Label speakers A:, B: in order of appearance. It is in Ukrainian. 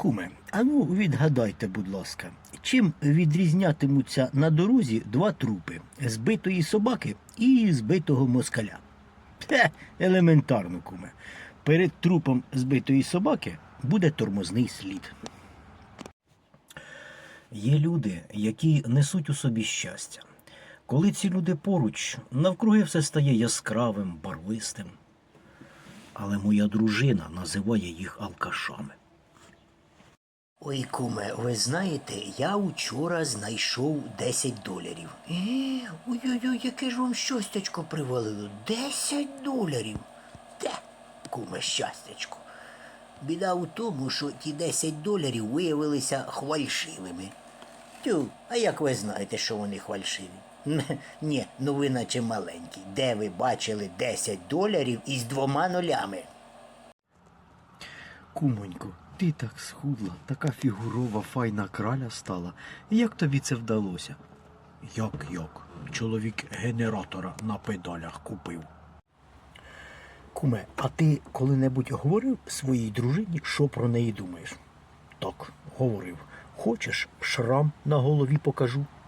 A: Куме, а ну відгадайте, будь ласка, чим відрізнятимуться на дорозі два трупи збитої собаки і збитого москаля? Елементарно, куме. Перед трупом збитої собаки буде тормозний слід. Є люди, які несуть у собі щастя. Коли ці люди поруч, навкруги все стає яскравим, барвистим. Але моя дружина називає їх алкашами.
B: Ой, куме, ви знаєте, я вчора знайшов $10. Ой-ой-ой, яке ж вам щастячко привалило. $10? Де, куме, щастячко? Біда у тому, що ті $10 виявилися хвальшивими. Тю, а як ви знаєте, що вони хвальшиві? Ні, ну ви наче маленький. Де ви бачили $10 із 2 нулями?
A: Кумонько, ти так схудла, така фігурова, файна краля стала. Як тобі це вдалося? Як? Чоловік генератора на педалях купив. Куме, а ти коли-небудь говорив своїй дружині, що про неї думаєш? Так, говорив. Хочеш, шрам на голові покажу?